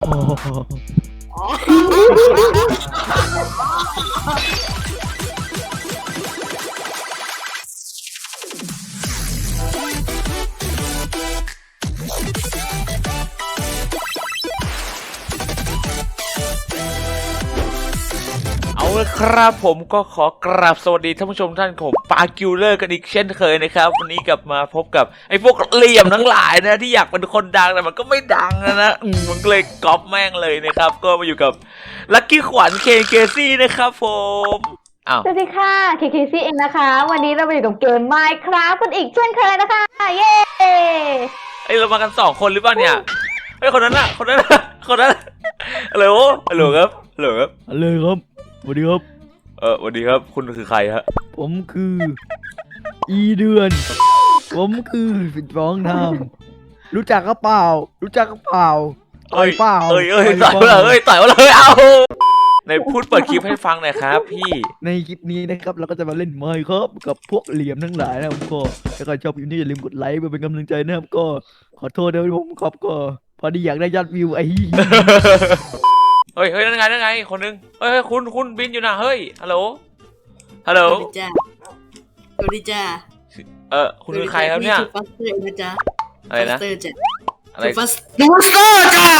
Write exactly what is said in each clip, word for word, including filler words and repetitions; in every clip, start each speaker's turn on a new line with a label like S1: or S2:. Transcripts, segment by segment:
S1: เอาละครับผมก็ขอกราบสวัสดีท่านผู้ชมท่านของปาคิวเลอร์กันอีกเช่นเคยนะครับวันนี้กลับมาพบกับไอ้พวกเหลี่ยมทั้งหลายนะที่อยากเป็นคนดังแต่มันก็ไม่ดังนะนะมันเลยก๊อปแม่งเลยนะครับก็มาอยู่กับลัคกี้ขวัญเคเคซี่นะครับผมอ้าว
S2: สวัสดีค่ะ เค เค ซี เองนะคะวันนี้เราไปอยู่กับเกม Minecraft กันอีกเช่นเคยนะคะเย้
S1: ไอเรามากันสองคนหรือเปล่าเนี่ยไอคนนั้นอะคนนั้นคนนั้นฮัลโหลฮัลโหลครับฮัลโหลครับ
S3: ฮัลโหลครับสวัสดีครับ
S1: เออสวัสดีครับคุณคือใครฮะ
S3: ผมคืออีเดือนผมคือสิบสองทำรู้จักก็เปล่ารู้จักก็เปล่าต่อยเปล่า
S1: เอ้ยเอ้ยต่อยเลยเอ้ยต่อยเลยเอาในพูดเปิดคลิปให้ฟังหน่อยครับพี่
S3: ในคลิปนี้นะครับเราก็จะมาเล่นไมค์ครับกับพวกเหลี่ยมทั้งหลายนะครับก็ถ้าใครชอบคลิปนี้อย่าลืมกดไลค์เพื่อเป็นกำลังใจนะครับก็ขอโทษด้วยผมครับก็พอดีอยากได้ยอดวิวไอ้
S1: เฮ้ยเฮ้ยนั่นไงนั่นไงคนนึงเฮ้ยคุณคุณบินอยู่นะเฮ้ยฮัลโหลฮัลโหล
S4: สวัสดีจ้าสวัสดีจ้า
S1: เออคุณคือใครครับเนี่ย
S4: ฟัสเตอร์นะจ๊ะ
S1: อะไรนะ
S4: อะไรฟัสเตอร์จ้า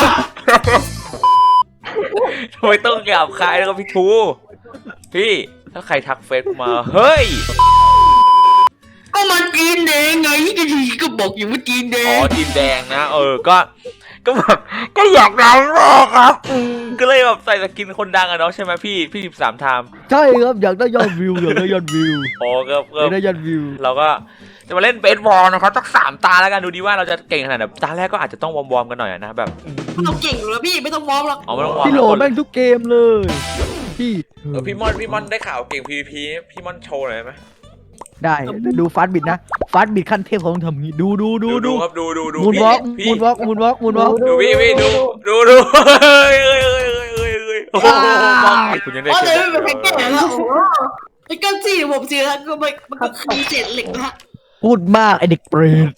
S1: ทำไมต้องหยาบคายแล้วก็พี่ทูพี่ถ้าใครทักเฟซมาเฮ้ย
S4: ก็มันจีนแดงไงก็ทีก็บอกอยู่ว่าจีนแดง
S1: อ๋อจีนแดงนะเออก็ก็แบบก็อยากดังมากครับก็เลยแบบใส่สกินคนดังอะเนาะใช่ไหมพี่พี่สิบสามไทม์
S3: ใช่ครับอยากได้ยอดวิวอยากได้ยอดวิว
S1: อ๋อครับ
S3: อยากได้ยอดวิว
S1: เราก็จะมาเล่นเบสบอลนะครับสักสามตาแล้วกันดูดีว่าเราจะเก่งขนาดไหนตาแรกก็อาจจะต้องวอร์มๆกันหน่อยนะแบบ
S4: เราเก่งอยู่แล้วพี่ไม่ต้องวอร์มหรอก
S1: อ๋อไม่ต้องวอร์ม
S3: พี่โหลแม่งทุกเกมเลยพี่
S1: เออพี่มอนพี่มอนได้ข่าวเก่ง พี วี พี พี่มอนโชว์หน่อยไหม
S3: ได้ดูฟาสบิดนะฟาสบิดขั้นเทพเขาต้องทำงี้ดูดูดู
S1: ดูครับดูดูดู
S3: มูนวอล์กมูนวอล์กมูนวอล์กมูนวอล์ก
S1: ดูพี่พี่ดูดูดูเฮ้ยเฮ้ยเฮ้ยเฮ้ยเฮ้ยเฮ้ยโอ้โหคุณยังได้
S4: อ๋อเลยไม่เป็นแค่แก่แล้วโอ้ไอ้ก้อนสี่ผมสี่แล้วก็มันมันก็คือเศษเหล็กนะ
S3: พูดมากไอเด็กเปรต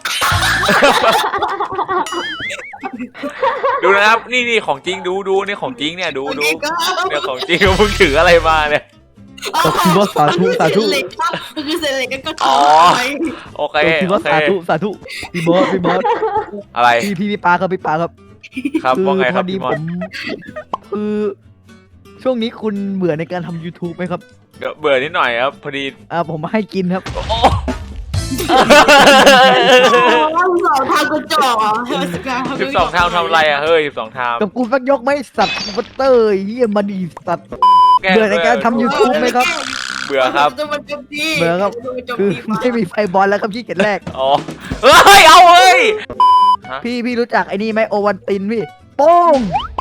S1: ดูนะครับนี่นี่ของจริงดูดูนี่ของจริงเนี่ยดูดูเนี่ยของจริงมึงถืออะไรมาเนี่ย
S3: ก็คือว่าสาธุสาธุ
S4: ก็คือเศษเหล็กก็
S1: อ๋อโอเค
S3: ก็คือว่าสาธุสาธุพี่บอสพี่บอส
S1: อะไร
S3: พี่พี่พี่ปาครับพี่ปาครับ
S1: ครับว่าไงครับ
S3: พี่มอนคือช่วงนี้คุณเบื่อในการทำ YouTube ไหมครับ
S1: เบื่อนิดหน่อยครับพอดี
S3: อ่าผมให้กินครับ
S4: สองทางกระจอกอ่ะ
S1: สิบสองทางทำอะไรอ่ะเฮ้ยสิบสองทาง
S3: กับกูสักยกไม่สัตว์บัตเตอร์เฮียมาดีสัตว์เบื่อในการทำ YouTube ไหมครับ
S1: เบื่อครับ
S3: เบื่อครับคือไม่มีไฟบอลแล้วครับที่เจ็ดแรก
S1: อ๋อเฮ้ยเอาเฮ้ย
S3: พี่พี่รู้จักไอ้นี่ไหมโอวันตินพี่โป้ง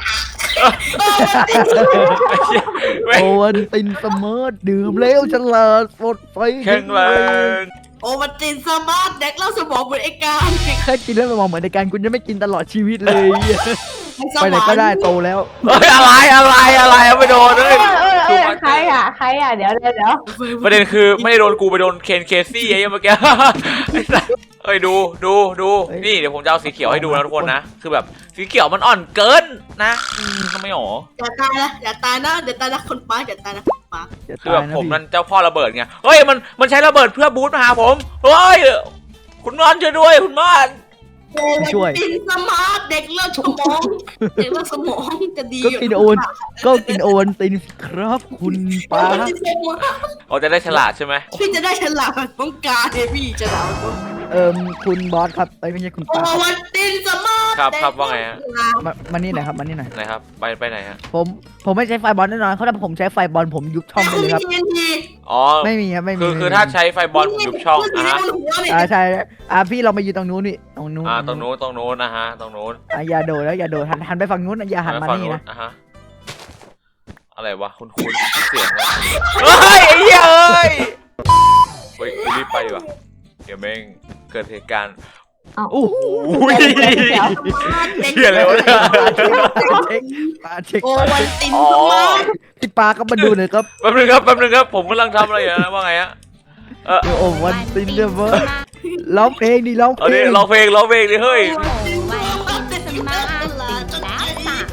S3: โอวันตินเสมอดื่มเร็วฉลาดสดไฟ
S1: แข็งแรง
S4: โอวันตินสมาร์ทเด็กเล่าสมองเหมือนไอ้การ
S3: แค่กินแล้วสมองเหมือนไอ้การคุณจะไม่กินตลอดชีวิตเลยไปไหนก็ได้โตแล้ว
S1: เฮ้ยอะไรอะไรอะไรไม่โดนเลย
S2: ใครอ่ะใครอ่ะเดี๋ยวเดี๋ยวเดี๋ยว
S1: ประเด็นคือไม่ได้โดนกูไปโดนเคนเคซี่ไอ้เมื่อกี้เอ้ยดูดูดูนี่เดี๋ยวผมจะเอาสีเขียวให้ดูนะทุกคนนะคือแบบสีเขียวมันอ่อนเกินนะทำไมหรอ
S4: อย่าตายนะอย่าตายนะเดี๋ยวตายนะคนป้าอย่าตายนะคนป้า
S1: คือแบบผมนั่นเจ้าพ่อระเบิดไงเฮ้ยมันมันใช้ระเบิดเพื่อบูสต์มาหาผมเฮ้ยคุณมอนช่วยด้วยคุณมอน
S3: ช่วย
S4: กินสมาร์ทเด็กเลือดสมองเด็กเลือดสมองจะดี
S3: ก็กินโอนก็กินโอนตินครับคุณป้า
S1: เราจะได้ฉลาดใช่ไหม
S4: พี่จะได้ฉลาดต้องการเฮพี่ฉลาด
S3: เอ่อคุณบอสครับไม่ใช่คุณป้า
S4: โอวันตินสมาร์ท
S1: ครับครับว่าไงฮะ
S3: มานี่หน่อยครับมานี่หน่อย
S1: ไหนครับไปไปไหนฮะ
S3: ผมผมไม่ใช้ไฟบอลแน่นอนเขาถ้าผมใช้ไฟบอลผมยุบช่องเลยครับ
S1: อ๋อ
S3: ไม่มีครับไม่มี
S1: คือคือถ้าใช้ไฟบอลผมยุบช่องอ่ะ
S3: อ่าใช่อ่าพี่เรามาอยู่ตรงนู้นนี่ตรงนู้น
S1: อ่าตรงนู้นตรงนู้นนะฮะตรงนู้น
S3: อ่ะอย่าโดดแล้วอย่าโดดหันหันไปฝั่งนู้นอย่าหันมานี่นะ
S1: อ่ะฮะอะไรวะคุณคุณเสียงเฮ้ยไอ้เหี้ยเอ้ยเฮ้ยรีบไปดีกว่าเดี๋ยวแม่งเกิดเหตุการณ์
S3: โอ้โห
S1: เหี้ยอะไรวะเนี่ย
S3: ปาเช็ค
S4: โอวันตินสมาร์ท
S3: พี่ปาก็มาดูหน่อยครับ
S1: แป๊บนึงครับแป๊บนึงครับผมกำลังทำอะไรอยู่นะว่าไงฮะ
S3: เออโอวันตินเดเวอร์ร้องเพลงดิร้องเพลง
S1: ร้องเพลงร้องเพลงดิเฮ้ย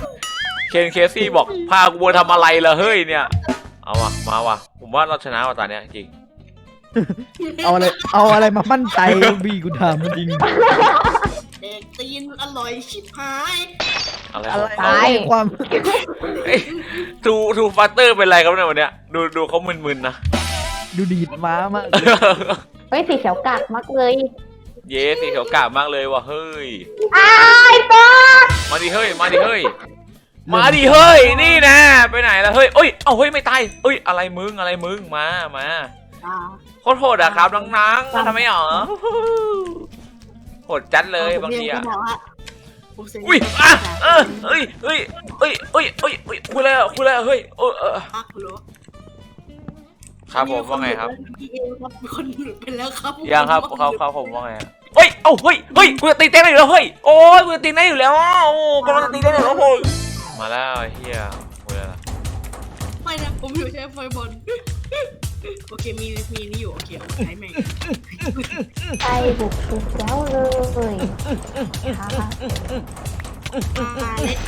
S1: เคนเคซี่บอกพากูมาทำอะไรล่ะเฮ้ยเนี่ยเอาวะมาว่ะผมว่าเราชนะว่ะตอนเนี้ยจริง
S3: เอาอะไรเอาอะไรมามั่นใจบีกูถามมันจริง
S4: เด็กตีนอร่อยชิบหาย
S1: อะไร
S3: อะไร
S1: ของเขา
S3: ความ
S1: ทูทูฟัตเตอร์เป็นไรครับเนี่ยวันเนี้ยดูดูเขามึนๆนะ
S3: ดูดีดม้ามาก
S2: เฮ้ยสีเขียวกากมากเลย
S1: เย้สีเขียวกาบมากเลยว่ะเฮ้ย
S2: อ้ายป๊า
S1: มาดิเฮ้ยมาดิเฮ้ยมาดิเฮ้ยนี่นะไปไหนล่ะเฮ้ยเอ้ยเอาเฮ้ยไม่ตายเอ้ยอะไรมึงอะไรมึงมามา
S4: อ่า
S1: โคตรโหดอะครับน้องๆทำไมหรอโหดจัดเลยบางทีอะ
S4: ผมเซ็น
S1: อุ้ยอ่ะเออเอ้ยเอ้ยเอ้ยเอ้ยเอ้ยเอ้ยคุยแล้วคุยแล้วเฮ้ยเออเออ
S4: อ่ะคุณรู้
S1: ครับผมว่าไงครับ
S4: มีคนหลุดไปแล้วครับ
S1: ยังครับครับครับผมว่าไงเฮ้ยเอ้าเฮ้ยเฮ้ยกูจะตีเต้นได้อยู่แล้วเฮ้ยโอ้ยกูจะตีได้อยู่แล้วโอ้กำลังจะตีได้อยู่แล้วเฮ้ยมาแล้วไอ้เฮียคุยแล้ว
S4: ไม่นะผมอยู่ใช้ไฟบอลโอเคมีมีนี่อยู่โอเคใช้แม่ง
S2: ไปบุกบุกแล้วเลยค่ะ
S4: อ่าเล็ด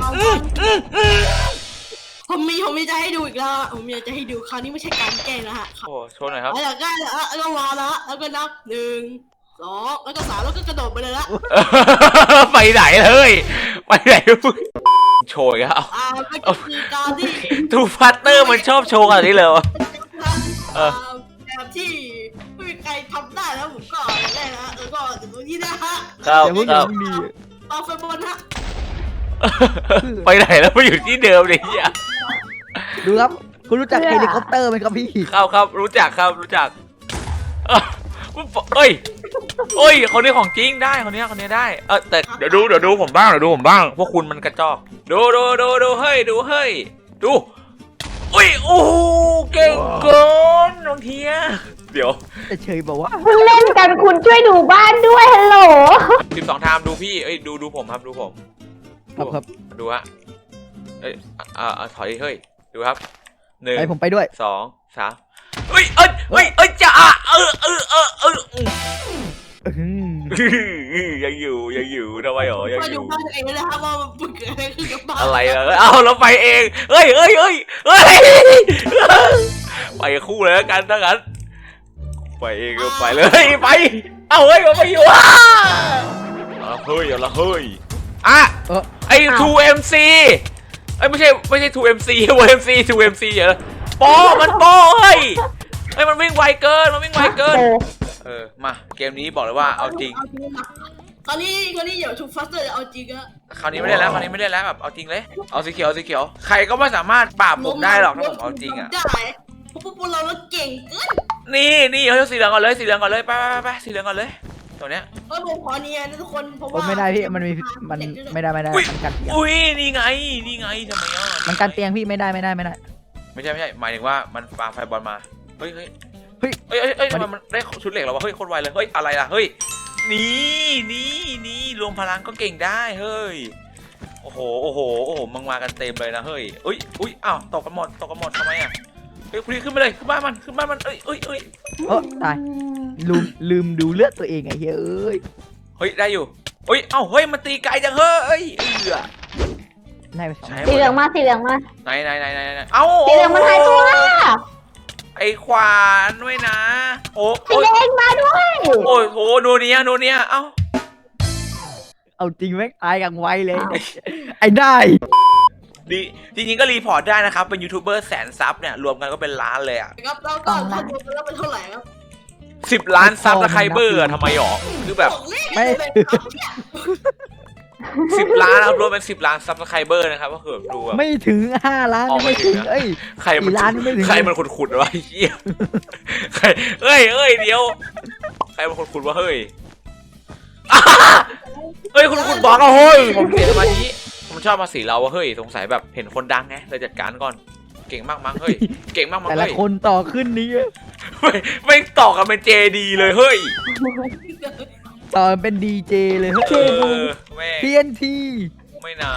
S4: ผมมีผมมีจะให้ดูอีกแล้วผมมีจะให้ดูคราวนี้ไม่ใช่การแกล้งแล้วฮะ
S1: โอ้โชว์หน่อยครับ
S4: แล้วอยากได้แล้วแล้วก็รอแล้วแล้วก็นับหนึ่งสองแล้วก็สามแล้วก็กระโดดไปเลยละ
S1: ไปไหนเลยไปไหนโชว์อีกแล้ว
S4: อ่าเป็นคือการที่
S1: ทูฟัตเตอร์มันชอบโชว์อะไรนี่เลยวะ เออ
S4: แบบที่ไม่มีใครทำได้แล้วผมก็ได้นะแล้วก็ถึงตรงนี้นะฮะ
S1: ครับ
S3: แต่พวก
S1: ครับ
S3: มึงดี
S4: เอาไฟบอลฮะ
S1: ไปไหนแล้วไปอยู่ที่เดิมเลยเฮีย
S3: ดูครับคุณรู้จักเฮลิคอปเตอร์ไหมครับพี่
S1: ครับครับรู้จักครับรู้จักเอ้าเอ้ยเอ้ยคนนี้ของจริงได้คนนี้คนนี้ได้เออแต่เดี๋ยวดูเดี๋ยวดูผมบ้างเดี๋ยวดูผมบ้างพวกคุณมันกระจอกดูดูดูดูเฮ้ยดูเฮ้ยดูอุ้ยโอ้เก่งเกินน้องเทียเดี๋ยว
S3: แต่เฉยบอกว่า
S2: คุณเล่นกันคุณช่วยดูบ้านด้วยฮัลโหล
S1: สิบสองไทม์ดูพี่เอ้ยดูดูผมครับดูผม
S3: ครับครับ
S1: ดูฮะเอ้ยอ่าอ่าถอยเฮ้ยดูครับหนึ่ง
S3: ไปผมไปด้วย
S1: สองสามเฮ้ยเอ้ยเฮ้ยเอ้ยจะอ่ะเออเออเออเออ
S3: อื้อ
S1: ยังอยู่ยังอยู่ทำไมหรอยัง
S4: มา
S1: อ
S4: ดู
S1: ยู่
S4: บ้านตัวเองเลยนะครับว่ามันเกิดอะไรขึ้นกับบ้าน
S1: อะไรล่ะเอาเราไปเองเฮ้ยเฮ้ยเฮ้ยเฮ้ยไปคู่เลยแล้วกันถ้างั้นไปเองก็ไปเลยไปเอาเฮ้ยมาไปอยู่อ่ะเอาละเฮ้ยเอาละเฮ้ยอ่ะ
S3: เออ
S1: ไอ้ ทู เอ็ม ซี ไอ้ยไม่ใช่ไม่ใช่ ทู เอ็ม ซี ทู เอ็ม ซี ทู เอ็ม ซี เหรอปอมันปอเฮ้ยเฮ้ยมันวิ่งไวเกินมันวิ่งไวเกิน
S2: โอ้
S1: เออมาเกมนี้บอกเลยว่าเอาจริง
S4: คราวนี้คราวนี้เดี๋ยวทูฟัสเตอร์จะเอาจริงอะ
S1: คราวนี้ไม่ได้แล้วคราวนี้ไม่ได้แล้วแบบเอาจริงเลยเอาสีเขียวเอาสีเขียวใครก็ไม่สามารถปราบผมได้หรอกถ้าผมเอาจริงอ่ะ
S4: ได้เพราะพวกเราเราเก่งเกิน
S1: นี่นี่เอาสีเหลืองก่อนเลยสีเหลืองก่อนเลยไปไปไปไปสีเหลืองก่อนเลยตัวเนี้ย
S4: เออผมขอเนียนนะทุกคนเพราะ
S3: โอ้
S4: ว่า
S3: ไม่ได้พี่มันมีมันไม่ได้ไม่ได้มันกันเตียง
S1: อุ้ยนี่ไงนี่ไงทำไมอ่ะ
S3: มันกันเตียงพี่ไม่ได้ไม่ได้ไม่ได้
S1: ไม่ใช่ไม่ใช่หมายถึงว่ามันปาไฟบอลมาเฮ้ยเฮ้ย
S3: เฮ้ย
S1: เฮ้ยเฮ้ยเฮ้ยทำไมมันได้ชุดเหล็กแล้ววะเฮ้ยโคตรไวเลยเฮ้ยอะไรล่ะเฮ้ยนี่นี่นี่รวมพลังก็เก่งได้เฮ้ยโอ้โหโอ้โหโอ้โหมังมากันเต็มเลยนะเฮ้ยอุ้ยอุ้ยอ้าวตกกันหมดตกกันหมดทำไมอ่ะเฮ้ยคุณขึ้นไปเลยขึ้นบ้านมันขึ้นบ้านมันเอ้ยเอ้ยเอ้ย
S3: เออตายลืมลืมดูเลือดตัวเองไอ้เฮ้ยเอ้ย
S1: เฮ้ยได้อยู่เฮ้ยเอ้าเฮ้ยมันตีไกลจังเฮ้ยเอือ
S3: ได้ไปสอง
S1: ใช่
S2: สีเหลืองมาสีเหลืองมา
S1: ไหนไหนไหนไหนไหนเอ้า
S2: สีเหลืองมันหายตัว
S1: ไอ้ขวานด้วยนะโอ้
S2: สี
S1: โอ้ย
S2: แดงมาด้วย
S1: โอ้ยโอ้โนเนียโนเนียเอ้า
S3: เอาจริงแม่งตายอย่างไวเลย ไอ้ได้
S1: ดีจริงๆก็รีพอร์ตได้นะครับเป็นยูทูบเบอร์แสนซับเนี่ยรวมกันก็เป็นล้านเลยอ่ะ
S4: ครับแล้วก็ถ้ารวมกันแล้วเป็นเท่าไหร่ครับ
S1: สิบล้านซับแล้วใครเบอร์อะทำไมหรอคือแบบ
S4: บอกเลขเลยครับเนี่ย
S1: สิบล้านครับรวมเป็นสิบล้านซับสไครเบอร์นะครับก็คือแบบดูแบบ
S3: ไม่ถึงห้าล้าน
S1: อ๋อ
S3: ไม่ถึง
S1: ไม่ถึงนะ
S3: เอ้ย
S1: ใครมัน
S3: สี่ล้านไม่ถึง
S1: ใครมันขุดๆวะไอ้เหี้ยใครเอ้ยเอ้ยเดี๋ยวใครมันขุดๆวะเฮ้ยอ่าเฮ้ยคุณขุดบล็อกอะเฮ้ยผมเสียสมาธิผมชอบมาสีเราวะเฮ้ยสงสัยแบบเห็นคนดังไงเลยจัดการก่อนเก่งมากมั้งเฮ้ยเก่งมากมั้ง
S3: แต่ละ
S1: เฮ้ย
S3: คนต่อขึ้นนี้
S1: ไม่ไม่ต่อกันเป็นเจดีเลยเฮ้ย
S3: ต่อเป็นดีเจเลยเฮ้ย
S1: เออแม่ง
S3: ที เอ็น ที
S1: ไม่หนา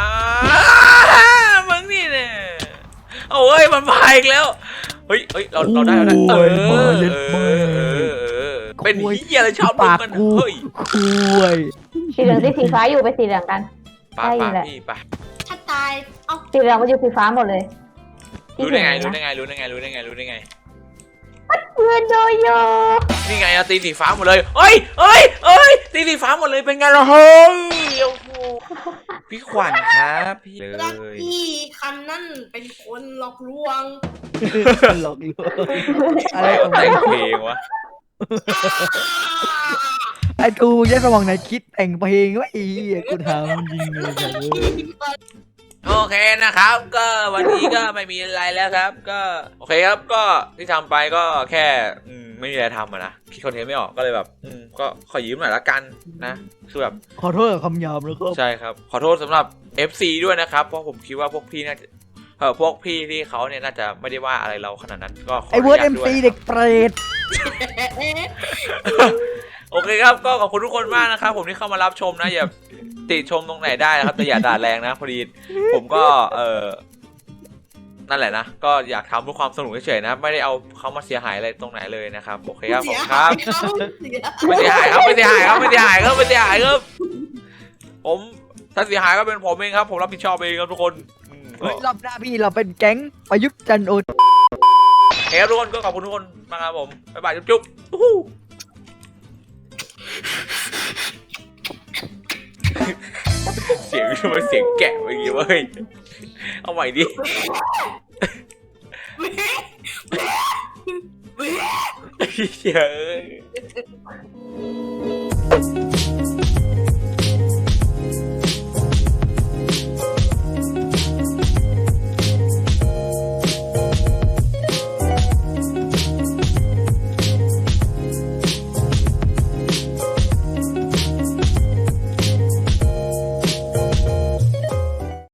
S1: มึงนี่เนี่ยเอาเฮ้ยมันมาอีกแล้วเฮ้ยเฮ้ยเราเราได้แล้วนะเออเออเออเออเป็นเหี้ยอะไรชอบมึง
S3: ปาก
S1: กัน
S3: กู
S1: เฮ้ย
S3: คุย
S2: สีเหลืองสีสีฟ้าอยู่ไปสีเหลืองกัน
S1: ปา
S2: ใช่
S1: ปา
S2: แหละ
S1: พี่ปา
S4: ถ้าตายเอ้า
S2: สีเหลืองมาอยู่สีฟ้าหมดเลย
S1: รู้ได้ไง
S2: ที่
S1: รู้
S2: เห็
S1: ได้
S2: นนะ
S1: ไงรู้ได้ไงรู้ได้ไงรู้ได้ไง
S2: เพื่อนโดโย
S1: นี่ไงอะตีสีฟ้าหมดเลยเอ้ยเอ้ยเอ้ยตีสีฟ้าหมดเลยเป็นไงล่ะเฮ้ยโอ้โหพี่ขวัญครับพี่เล
S4: รัก
S1: ย
S4: พี่คันนั่นเป็นคนหลอกลวง
S3: หลอกลวงอะไรของ
S1: แต่ง
S3: มึง
S1: เพลงวะ
S3: ไอ้กูใช้สมองไหนคิดแต่งเพลงวะไอ้เหี้ยกูถามจริงเลยจ้ะเว้ย
S1: โอเคนะครับ ก็วันนี้ก็ไม่มีอะไรแล้วครับ ก็โอเคครับก็ที่ทำไปก็แค่อืมไม่มีอะไรทำอะนะคิดคอนเทนต์ไม่ออกก็เลยแบบอืมก็ขอยืมหน่อยละกันนะคือแบบ
S3: ขอโทษกับคำหยาบนะครับ
S1: ใช่ครับขอโทษสำหรับ เอฟ ซี ด้วยนะครับเพราะผมคิดว่าพวกพี่น่าจะเออพวกพี่ที่เขาเนี่ยน่าจะไม่ได้ว่าอะไรเราขนาดนั้นก็ขอ
S3: ไอ้เวิร์ด
S1: นุ
S3: เอ็
S1: ญาต
S3: ม
S1: ด้วย
S3: ซี
S1: นะ
S3: เด็กเปรต
S1: โอเคครับก็ขอบคุณทุกคนมากนะครับผมที่เข้ามารับชมนะอย่าติชมตรงไหนได้นะครับแต่อย่าด่าแรงนะพอดีผมก็เออนั่นแหละนะก็อยากทำเพื่อความสนุกเฉยๆนะไม่ได้เอาเขามาเสียหายอะไรตรงไหนเลยนะครับโอเคครับผมครับ ไม่เสียหายครับไม่เสียหายครับไม่เสียหายครับไม่เสียหายครับผมถ้าเสียหายก็เป็นผมเองครับผมรับผิดชอบเองครับทุกคนอืมก็
S3: เฮ้ยรอบหน้าพี่เราเป็นแก๊งประยุทธ์จันทร์โอ
S1: เฮ้ยทุกคนก็ขอบคุณทุกคนมากครับผมบ๊ายบายจุ๊บๆอู้หูเสียงทำไมเสียงแกะไปอย่างงี้เว้ยเอาใหม่ดิเฮ้ย